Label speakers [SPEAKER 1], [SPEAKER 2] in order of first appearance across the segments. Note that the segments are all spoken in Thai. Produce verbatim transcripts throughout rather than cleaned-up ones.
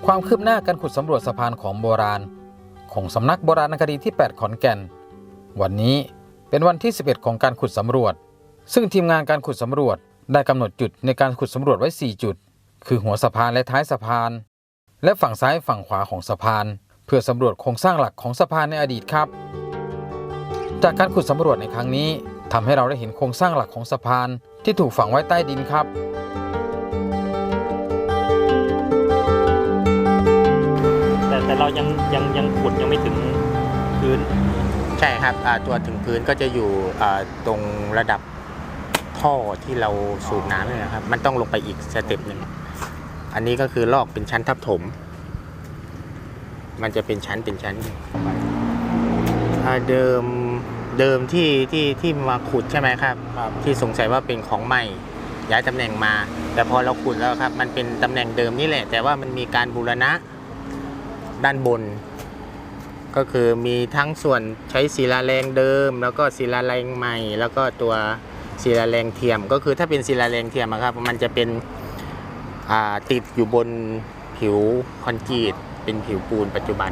[SPEAKER 1] ความคืบหน้าการขุดสำรวจสะพานของโบราณของสำนักโบราณคดีที่แปดขอนแก่นวันนี้เป็นวันที่สิบเอ็ดของการขุดสำรวจซึ่งทีมงานการขุดสำรวจได้กำหนดจุดในการขุดสำรวจไว้สี่จุดคือหัวสะพานและท้ายสะพานและฝั่งซ้ายฝั่งขวาของสะพานเพื่อสำรวจโครงสร้างหลักของสะพานในอดีตครับจากการขุดสำรวจในครั้งนี้ทำให้เราได้เห็นโครงสร้างหลักของสะพานที่ถูกฝังไว้ใต้ดินครับ
[SPEAKER 2] แต่แต่เรายังยังยังขุดยังไม่ถึงพื้น
[SPEAKER 3] ใช่ครับตัวถึงพื้นก็จะอยู่ตรงระดับท่อที่เราสูบน้ำเนี่ยนะครับมันต้องลงไปอีกสเต็ปหนึ่งอันนี้ก็คือลอกเป็นชั้นทับถมมันจะเป็นชั้นเป็นชั้นเดิมเดิมที่ที่ที่มาขุดใช่ไหมครับที่สงสัยว่าเป็นของใหม่ย้ายตำแหน่งมาแต่พอเราขุดแล้วครับมันเป็นตำแหน่งเดิมนี่แหละแต่ว่ามันมีการบูรณะด้านบนก็คือมีทั้งส่วนใช้ศิลาแรงเดิมแล้วก็ศิลาแรงใหม่แล้วก็ตัวศิลาแรงเทียมก็คือถ้าเป็นศิลาแรงเทียมครับมันจะเป็นติดอยู่บนผิวคอนกรีตเป็นผิวปูนปัจจุบัน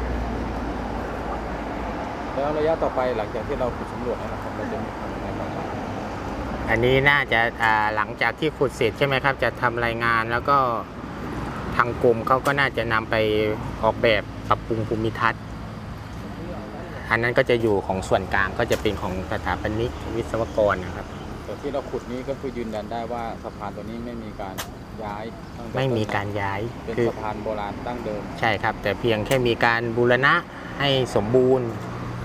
[SPEAKER 1] แล้วระยะต่อไปหลังจากที่เราขุดสำรวจนะครับเราจะมีทำอะไรบ้าง
[SPEAKER 3] อันนี้น่าจะหลังจากที่ขุดเสร็จใช่ไหมครับจะทำรายงานแล้วก็ทางกรมเขาก็น่าจะนำไปออกแบบปรับปรุงภูมิทัศน์อันนั้นก็จะอยู่ของส่วนกลางก็จะเป็นของสถาปนิกวิศวกรนะครับ
[SPEAKER 1] แต่ที่เราขุดนี้ก็คือยืนยันได้ว่าสะพานตัวนี้ไม่มีการย้าย
[SPEAKER 3] ไม่มีการย้าย
[SPEAKER 1] เป็นสะพานโบราณตั้งเดิม
[SPEAKER 3] ใช่ครับแต่เพียงแค่มีการบูรณะให้สมบูรณ์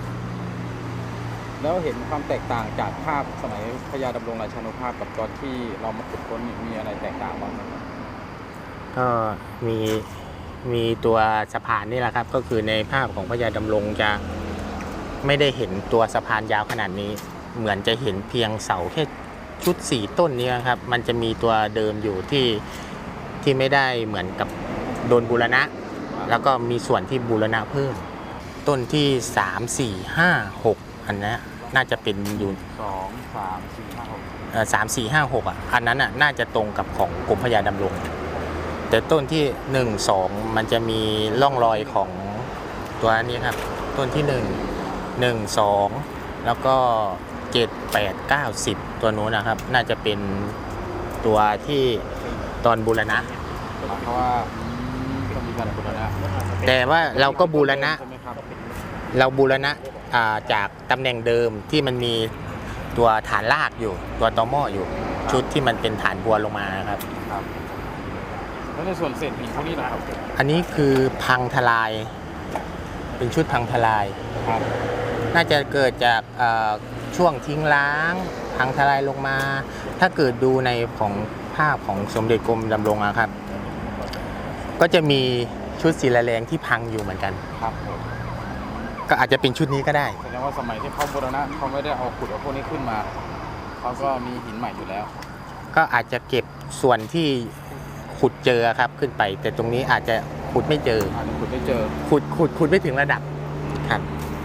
[SPEAKER 1] แล้วเห็นความแตกต่างจากภาพสมัยพระยาดำรงราชานุภาพกับตอนที่เรามาขุดค้นมีอะไรแตกต่างบ้างไหมครับ
[SPEAKER 3] ก็มีมีตัวสะพานนี่แหละครับก็คือในภาพของพระยาดำรงจะไม่ได้เห็นตัวสะพานยาวขนาดนี้เหมือนจะเห็นเพียงเสาแค่ชุดสี่ต้นนี้ครับมันจะมีตัวเดิมอยู่ที่ที่ไม่ได้เหมือนกับโดนบูรณะแล้วก็มีส่วนที่บูรณะเพิ่มต้นที่สาม สี่ ห้า หกอันนี้น่าจะเป็นอยู่
[SPEAKER 1] สอง สาม สี่ ห้า หก
[SPEAKER 3] เอ่อสาม สี่ ห้า หกอ่ะอันนั้นอ่ะน่าจะตรงกับของกรมพระยาดำรงแต่ต้นที่หนึ่ง สองมันจะมีร่องรอยของตัวนี้ครับต้นที่หนึ่ง หนึ่ง สองแล้วก็เจ็ด แปด เก้า สิบตัวนู้นนะครับน่าจะเป็นตัวที่ตอนบูรณะ
[SPEAKER 1] เพราะว่าต้องมีการบูรณะ
[SPEAKER 3] แต่ว่าเราก็บูรณะเราบูรณะจากตำแหน่งเดิมที่มันมีตัวฐานรากอยู่ตัวตอหม้ออยู่ชุดที่มันเป็นฐานบัวลงมาครับ
[SPEAKER 1] แล้วในส่วนเศษหินพวกนี้นะครับ
[SPEAKER 3] อันนี้คือพังทลายเป็นชุดพังทลายน่าจะเกิดจากช่วงทิ้งล้างพังทลายลงมาถ้าเกิดดูในของภาพของสมเด็จกรมดำรงนะครับก็จะมีชุดศิลาแรงที่พังอยู่เหมือนกันครับก็อาจจะเป็นชุดนี้ก็ได้
[SPEAKER 1] แสดงว่าสมัยที่เขาบูรณะเขาไม่ได้เอาขุดเอาพวกนี้ขึ้นมาเขาก็มีหินใหม่อยู่แล้ว
[SPEAKER 3] ก็อาจจะเก็บส่วนที่ขุดเจอครับขึ้นไปแต่ตรงนี้อาจจะขุดไม่เจอ
[SPEAKER 1] ขุดไม่เจอ
[SPEAKER 3] ขุดขุดขุดไม่ถึงระดับครับ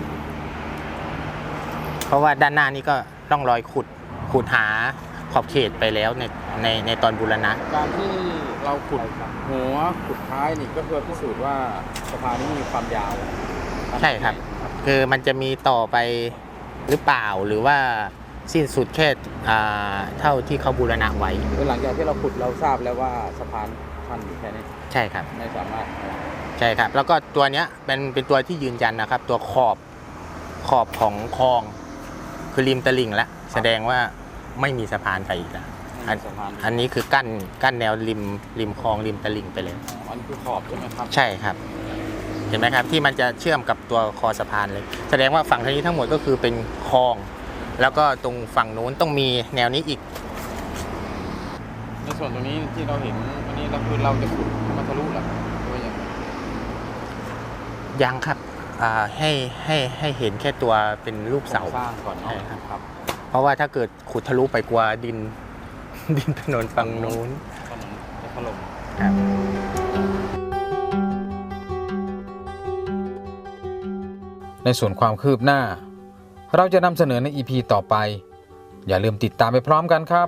[SPEAKER 3] เพราะว่าด้านหน้านี้ก็ต้องรอยขุดขุดหาขอบเขตไปแล้วในในในตอนบูรณะ
[SPEAKER 1] การที่เราขุดหัวขุดท้ายนี่ก็เพื่อพิสูจน์ว่าสะพานนี้มีความยาว
[SPEAKER 3] ใช่ครับคือมันจะมีต่อไปหรือเปล่าหรือว่าสิ้นสุดแค่เท่าที่เขาบูรณะไว้
[SPEAKER 1] หลังจากที่เราขุดเราทราบแล้วว่าสะพานชันอยู่แค่นี้
[SPEAKER 3] ใช่ครับ
[SPEAKER 1] ไม่สามารถ
[SPEAKER 3] ใช่ครับแล้วก็ตัวเนี้ยเป็นเป็นตัวที่ยืนยันนะครับตัวขอบขอบของคลองคือริมตลิ่งแล้วแสดงว่าไม่มีสะพานไปอีกแล้วอันนี้คือกั้นกั้นแนวริมริมคลองริมตลิ่งไปเลย
[SPEAKER 1] อันคือขอบใช่ไหมครับ
[SPEAKER 3] ใช่ครับเห็นไหมครับที่มันจะเชื่อมกับตัวคอสะพานเลยแสดงว่าฝั่งทางนี้ทั้งหมดก็คือเป็นคลองแล้วก็ตรงฝั่งนู้นต้องมีแนวนี้อีก
[SPEAKER 1] ในส่วนตรงนี้ที่เราเห็นวันนี้เราคือเราจะขุดให้มันทะลุหรือว่ายัง
[SPEAKER 3] ยังครับให้ให้ให้เห็นแค่ตัวเป็นรูปเสา
[SPEAKER 1] สร้างก่อน
[SPEAKER 3] นะครับเพราะว่าถ้าเกิดขุดทะลุไปกว่าดินดินถนนฝั่งนู้น
[SPEAKER 1] จะถล่ม
[SPEAKER 3] ครับ
[SPEAKER 1] ในส่วนความคืบหน้าเราจะนำเสนอใน อี พี ต่อไปอย่าลืมติดตามไปพร้อมกันครับ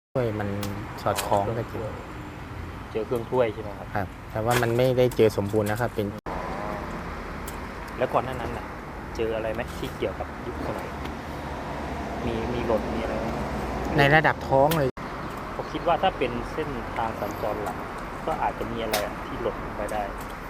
[SPEAKER 3] ด้วยมันสอดคล้องกันจริง
[SPEAKER 2] เจอเครื่องถ้วยใช่ไหมครับ
[SPEAKER 3] ครับ แต่ว่ามันไม่ได้เจอสมบูรณ์นะครับ เป็น
[SPEAKER 2] แล้วก่อนหน้านั้นน่ะ เจออะไรไหมที่เกี่ยวกับยุคสมัยมีมีหล่นมีอะไรไหม
[SPEAKER 3] ในระดับท้องเลย
[SPEAKER 2] ผมคิดว่าถ้าเป็นเส้นทางสัญจรหลักก็อาจจะมีอะไรอะที่หล่นลงไปได้